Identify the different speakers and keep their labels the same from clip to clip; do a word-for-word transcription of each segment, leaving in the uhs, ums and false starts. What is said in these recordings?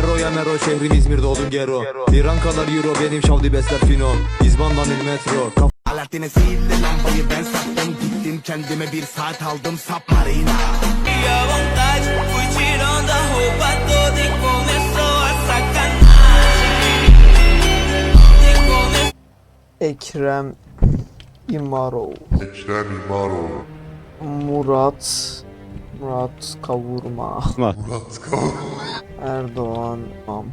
Speaker 1: Mero ya Mero şehrim İzmir'de odun gero. İran kadar euro benim şavdi besler fino. İzban'dan il metro.
Speaker 2: Alaaddin'e sihirli lambayı ben sattım. Gittim kendime bir saat aldım submarina.
Speaker 3: Ekrem İmarov.
Speaker 4: Ekrem İmamoğlu.
Speaker 3: Murat Murat Kavurma.
Speaker 4: Murat Kavurma.
Speaker 3: Erdoğan İmam.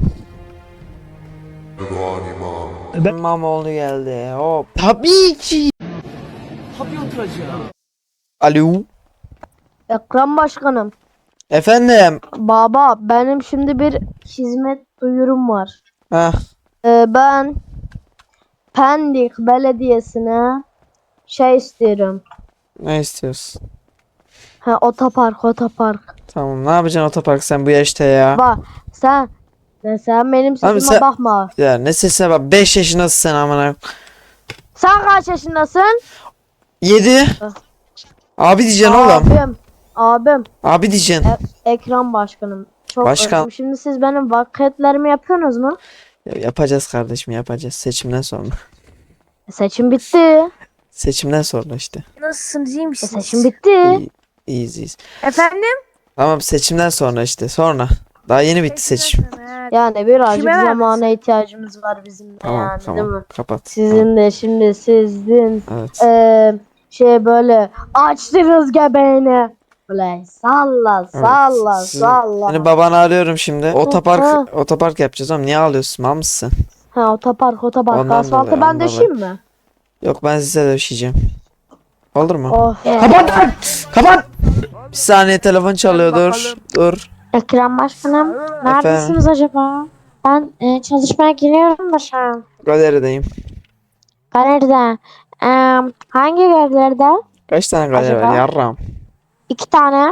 Speaker 4: Erdoğan İmam.
Speaker 3: İmamoğlu geldi. Hop. Tabii ki.
Speaker 5: Tabii oturacağım.
Speaker 3: Alo.
Speaker 6: Ekrem Başkanım.
Speaker 3: Efendim.
Speaker 6: Baba benim şimdi bir hizmet duyurum var.
Speaker 3: Heh.
Speaker 6: Ee, ben Pendik Belediyesi'ne şey istiyorum.
Speaker 3: Ne istiyorsun?
Speaker 6: Ha, otopark otopark.
Speaker 3: Tamam, ne yapacaksın otopark sen bu yaşta ya?
Speaker 6: Bak sen sen benim
Speaker 3: Abi
Speaker 6: sesime
Speaker 3: sen-
Speaker 6: bakma.
Speaker 3: Ya ne sesine bak, beş yaşındasın sen amına.
Speaker 6: Sen kaç yaşındasın?
Speaker 3: yedi. Abi diyeceksin oğlum.
Speaker 6: Abim. Abim.
Speaker 3: Abi diyeceksin.
Speaker 6: Ekrem Başkanım. Çok
Speaker 3: Başkan.
Speaker 6: özledim. Şimdi siz benim vakitlerimi yapıyorsunuz mu?
Speaker 3: Ya yapacağız kardeşim, yapacağız seçimden sonra.
Speaker 6: Seçim bitti.
Speaker 3: Seçimden sonra işte.
Speaker 7: Nasılsınız, iyi
Speaker 6: E,
Speaker 7: misiniz?
Speaker 6: seçim bitti.
Speaker 3: İyi, iyiyiz iyiyiz.
Speaker 7: Efendim?
Speaker 3: Tamam, seçimden sonra işte, sonra. Daha yeni bitti seçim.
Speaker 7: Ha,
Speaker 6: Yani birazcık
Speaker 7: Kime verdin
Speaker 6: zamana
Speaker 7: sen?
Speaker 6: ihtiyacımız var bizim de
Speaker 3: Tamam
Speaker 6: yani değil mi?
Speaker 3: tamam, kapat.
Speaker 6: Sizin de şimdi sizin
Speaker 3: Tamam, evet.
Speaker 6: eee şey böyle açtınız göbeğini. Böyle salla salla
Speaker 3: Sizin-
Speaker 6: salla.
Speaker 3: Seni babanı arıyorum şimdi.
Speaker 6: Ha.
Speaker 3: Otopark otopark yapacağız oğlum. Niye ağlıyorsun? Mal mısın?
Speaker 6: Ha otopark otopark
Speaker 3: Ondan
Speaker 6: asfaltı
Speaker 3: dolayı,
Speaker 6: ben
Speaker 3: ondan
Speaker 6: döşeyim mi?
Speaker 3: Yok, ben size döşeyeceğim. Olur mu?
Speaker 6: Of.
Speaker 3: Kapat lan! Kapat! Bir saniye, telefon çalıyor, dur. Dur.
Speaker 7: Ekrem Başkanım, neredesiniz acaba? Ben e, çalışmaya giriyorum da şu an.
Speaker 3: Galerideyim.
Speaker 7: Galeride. E, hangi galerilerde?
Speaker 3: Kaç tane galeri var?
Speaker 7: Acaba?
Speaker 3: Yarram.
Speaker 7: İki tane.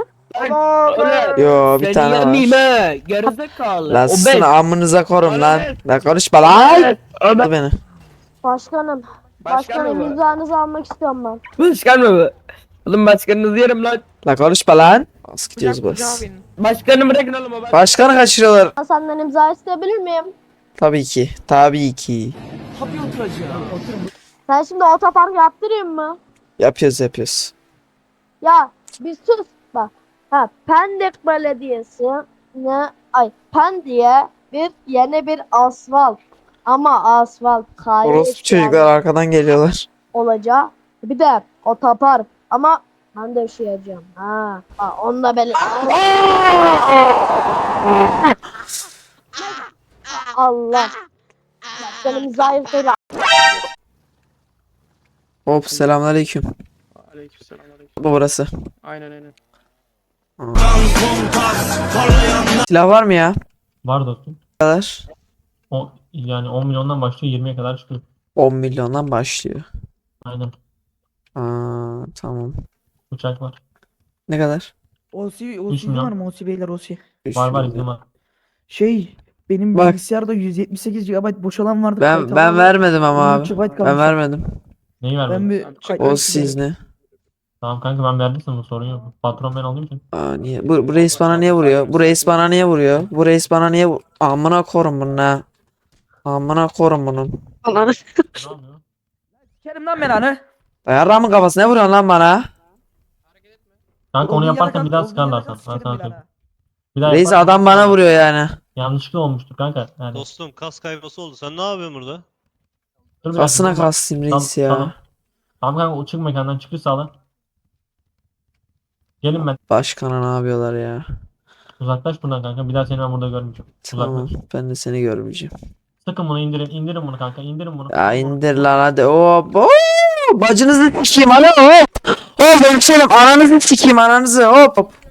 Speaker 3: Yo, bir tane var.
Speaker 5: Mime, gerizekalı.
Speaker 3: Lan sizin amınıza korum lan. Lan konuşma lan. Dur beni.
Speaker 6: Başkanım.
Speaker 5: Başkan
Speaker 6: Başkanım
Speaker 5: mı?
Speaker 6: imzanızı almak istiyorum ben.
Speaker 5: Başkan mı bu? Oğlum başkanınızı yerim lan.
Speaker 3: Lan konuşma lan. Nasıl gidiyoruz bas?
Speaker 5: Başkanı bırakın oğlum o.
Speaker 3: Başkanı kaçırıyorlar.
Speaker 6: Ben senden imza isteyebilir miyim?
Speaker 3: Tabii ki. Tabii ki.
Speaker 5: Tabii oturacağım. Otur.
Speaker 6: Sen şimdi otopark yaptırayım mı?
Speaker 3: Yapıyoruz yapıyoruz.
Speaker 6: Ya bir sus bak. Ha Pendik Belediyesi ne ay Pendik'e bir yeni bir asfalt ama asfalt kayıp
Speaker 3: Orospu çocuklar arkadan geliyorlar.
Speaker 6: olacak. Bir de otopark ama ben de üşüyeceğim. Ha, ha onu da böyle. Allah. Benim zayıf değil.
Speaker 3: Hop, selamünaleyküm.
Speaker 8: Aleykümselam aleyküm.
Speaker 3: Bu burası.
Speaker 8: Aynen aynen.
Speaker 3: Silah var mı ya?
Speaker 9: Var dostum.
Speaker 3: Ne kadar?
Speaker 9: O, yani on milyondan başlıyor yirmiye kadar çıkıyor.
Speaker 3: on milyondan başlıyor.
Speaker 9: Aynen.
Speaker 3: Aa, tamam.
Speaker 9: Uçak var.
Speaker 3: Ne kadar?
Speaker 5: Osi,
Speaker 9: Üç
Speaker 5: Osi
Speaker 9: milyon.
Speaker 5: var mı? Osi beyler Osi.
Speaker 3: Üç
Speaker 9: Var var
Speaker 3: milyon.
Speaker 9: izin var.
Speaker 5: Şey, benim
Speaker 3: Bak.
Speaker 5: bilgisayarda yüz yetmiş sekiz gigabayt boşalan vardı.
Speaker 3: Ben
Speaker 5: kayıt
Speaker 3: ben
Speaker 5: alanı
Speaker 3: vermedim ama
Speaker 5: on
Speaker 3: abi.
Speaker 5: iki gigabayt
Speaker 3: Ben
Speaker 5: kalmış.
Speaker 3: vermedim.
Speaker 9: Neyi
Speaker 5: Ben
Speaker 9: vermedin?
Speaker 5: bir kayıt
Speaker 3: O
Speaker 5: alanı
Speaker 3: siz ne?
Speaker 9: Tamam kanka ben verdim sana sorun yok. Patron ben olduğum için.
Speaker 3: Aa, niye? Bu, bu reis bana niye vuruyor? Bu reis bana niye vuruyor? Bu reis bana niye vu- Amına korum bunu ha. Amına korum bunun.
Speaker 9: Ne yapıyor?
Speaker 5: Sikerim lan ben hani.
Speaker 3: Yarramın kafası, ne vuruyorsun lan bana?
Speaker 9: Kanka onu
Speaker 5: Olduğun yere
Speaker 9: yaparsan
Speaker 5: kalk,
Speaker 9: bir daha
Speaker 5: olduğun
Speaker 9: sıkarlar
Speaker 5: yere
Speaker 9: sana.
Speaker 5: kalk,
Speaker 9: Ben
Speaker 5: sikerim
Speaker 9: sana
Speaker 5: ben
Speaker 9: söyleyeyim.
Speaker 5: ha.
Speaker 9: Bir daha
Speaker 3: Reis
Speaker 9: yaparsan
Speaker 3: adam bana vuruyor yani.
Speaker 9: yanlışlıkla olmuştur kanka. Yani.
Speaker 8: Dostum kas kayması oldu. Sen ne yapıyorsun burada?
Speaker 9: Dur bir
Speaker 3: Kasına
Speaker 9: dakika.
Speaker 3: kastayım reis
Speaker 9: Tamam,
Speaker 3: ya.
Speaker 9: Tamam kanka o çık mekandan çıkış sağla. Gelin ben.
Speaker 3: Başkana ne yapıyorlar ya?
Speaker 9: Uzaklaş buradan kanka. Bir daha seni ben burada görmeyeceğim.
Speaker 3: Tamam,
Speaker 9: Uzaklaş.
Speaker 3: ben de seni görmeyeceğim.
Speaker 9: Sıkın bunu indirin. indirin bunu kanka. indirin bunu.
Speaker 3: Ya indir lan hadi. Hop. Oo, bacınızı sikeyim alo hop. Hop hemşerim, ananızı sikeyim ananızı hop.